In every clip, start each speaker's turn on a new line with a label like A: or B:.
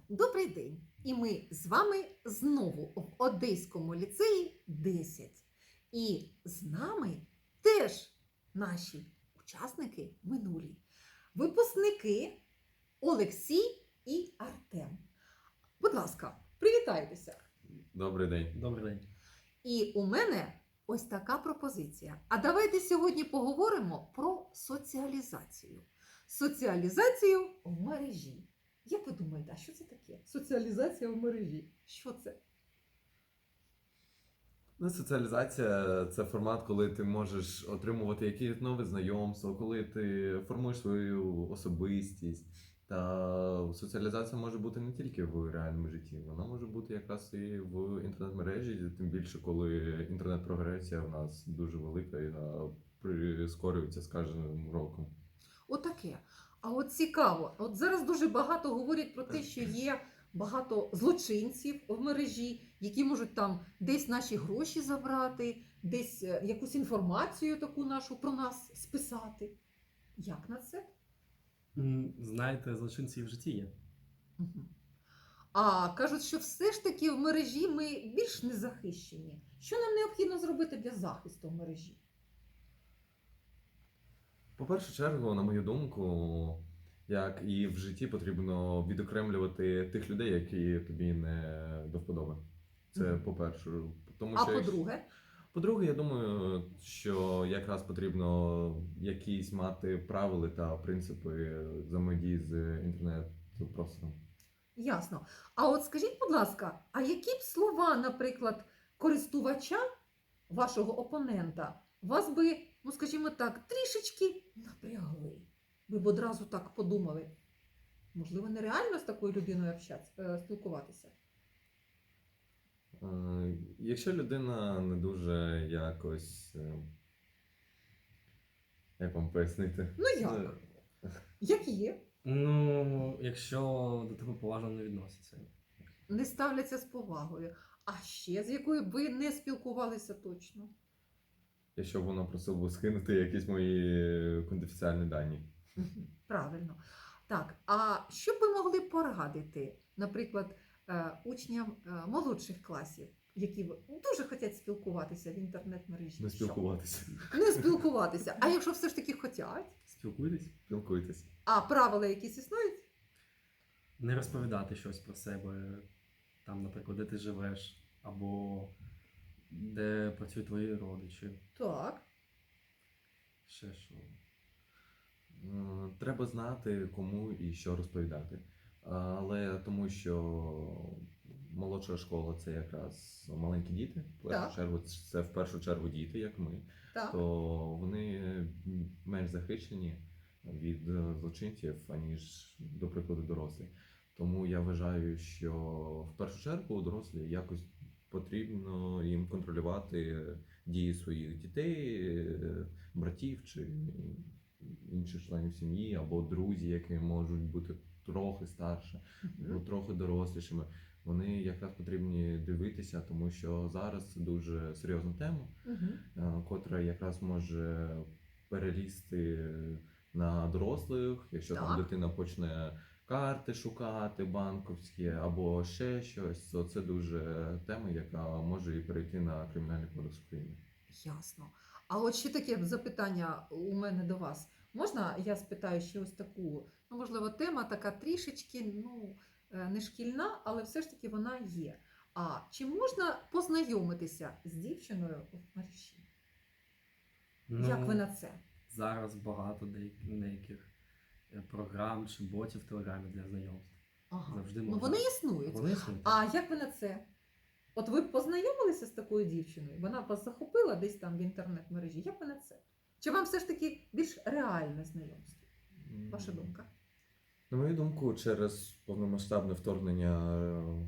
A: Добрий день! І ми з вами знову в Одеському ліцеї 10. І з нами теж наші учасники минулі. Випускники Олексій і Артем. Будь ласка, привітайтеся!
B: Добрий день.
C: Добрий день.
A: І у мене ось така пропозиція. А давайте сьогодні поговоримо про соціалізацію. Соціалізацію в мережі. Як ви думаєте, а що це таке? Соціалізація в мережі. Що це?
B: Ну, соціалізація – це формат, коли ти можеш отримувати якісь нові знайомства, коли ти формуєш свою особистість. Та соціалізація може бути не тільки в реальному житті, вона може бути якраз і в інтернет-мережі, тим більше, коли інтернет-прогресія у нас дуже велика і прискорюється з кожним роком.
A: Отаке. А от цікаво, от зараз дуже багато говорять про те, що є багато злочинців в мережі, які можуть там десь наші гроші забрати, десь якусь інформацію таку нашу про нас списати. Як на це?
C: Знаєте, злочинці і в житті є.
A: Мгм. А кажуть, що все ж таки в мережі ми більш незахищені. Що нам необхідно зробити для захисту в мережі?
B: По першу чергу, на мою думку, як і в житті, потрібно відокремлювати тих людей, які тобі не до вподоби. Це
A: Мгм.
B: по-перше. Тому
A: А
B: що
A: по-друге?
B: по-друге, я думаю, що якраз потрібно якісь мати правила та принципи взаємодії з інтернет-простором.
A: Ясно. А от скажіть, будь ласка, а які б слова, наприклад, користувача, вашого опонента, вас би, ну скажімо так, трішечки напрягли? Ви б одразу так подумали. Можливо, нереально з такою людиною спілкуватися?
B: Якщо людина не дуже якось, як вам пояснити?
A: Ну як? Як є?
C: Ну, якщо до тебе поважно не відносяться.
A: Не ставляться з повагою. А ще з якою б ви не спілкувалися точно?
B: Якщо вона просила б скинути якісь мої конфіденціальні дані.
A: Мгм. Правильно. Так, а що б ви могли порадити, наприклад, учням молодших класів, які дуже хочуть спілкуватися в інтернет-мережі?
B: Не
A: Що?
B: спілкуватися.
A: Не спілкуватися. А якщо все ж таки хочуть?
C: Спілкуйтесь.
B: Спілкуйтесь.
A: А правила якісь існують?
C: Не розповідати щось про себе, там, наприклад, де ти живеш, або де працюють твої родичі.
A: Так.
C: Ще що.
B: Треба знати, кому і що розповідати. Але тому що молодша школа це якраз маленькі діти. Це в першу чергу діти, як ми,
A: Так.
B: то вони менш захищені від злочинців, аніж, до прикладу, дорослі. Тому я вважаю, що в першу чергу дорослі якось потрібно їм контролювати дії своїх дітей, братів чи інших членів сім'ї, або друзі, які можуть бути трохи старше, або трохи дорослішими. Вони якраз потрібні дивитися, тому що зараз це дуже серйозна тема, котра якраз може перелізти на дорослих, якщо там дитина почне карти шукати банківські або ще щось, то це дуже тема, яка може і перейти на Кримінальний кодекс України.
A: Ясно. А от ще таке запитання у мене до вас. Можна я спитаю ще ось таку, ну, можливо, тема така трішечки, ну, не шкільна, але все ж таки вона є. А чи можна познайомитися з дівчиною в мережі? Як ви на це?
C: Зараз багато деяких програм чи ботів в Телеграмі для знайомств.
A: Ага.
C: Завжди
A: Ну,
C: можна.
A: вони існують.
C: Вони існують.
A: А як ви на це? От ви б познайомилися з такою дівчиною? Вона б вас захопила десь там в інтернет-мережі. Як ви на це? Чи вам все ж таки більш реальне знайомство? Ваша думка?
B: На мою думку, через повномасштабне вторгнення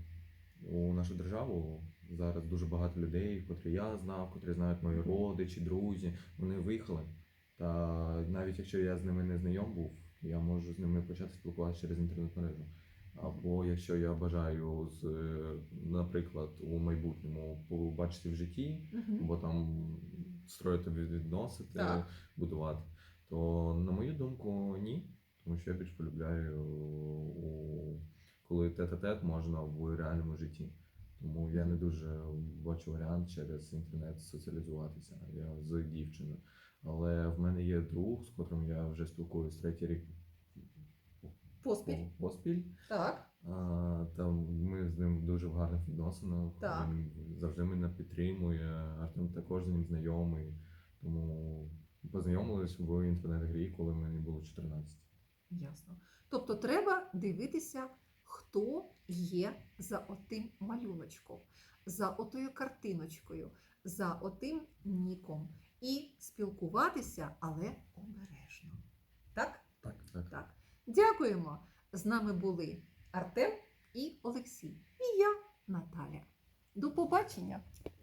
B: у нашу державу зараз дуже багато людей, котрі я знав, котрі знають мої родичі, друзі, вони виїхали. Та навіть якщо я з ними не знайом був, я можу з ними почати спілкуватися через інтернет-мережу. Або якщо я бажаю, наприклад, у майбутньому побачити в житті, або там строїти відносити, будувати, то, на мою думку, ні. Тому що я більш полюбляю коли тет-а-тет можна в реальному житті. Тому я не дуже бачу варіант через інтернет соціалізуватися. Я з дівчиною. Але в мене є друг, з котрим я вже спілкуюсь третій рік
A: Поспіль.
B: поспіль.
A: Так.
B: Там ми з ним дуже в гарних відносинах.
A: Так.
B: Він завжди мене підтримує. Артем також з ним знайомий. Тому познайомились в інтернет-грі, коли мені було 14.
A: Ясно. Тобто треба дивитися, хто є за отим малюночком, за отою картиночкою, за отим ніком. І спілкуватися, але обережно. Так?
C: Так.
A: Так. Дякуємо. З нами були Артем і Олексій. І я, Наталя. До побачення!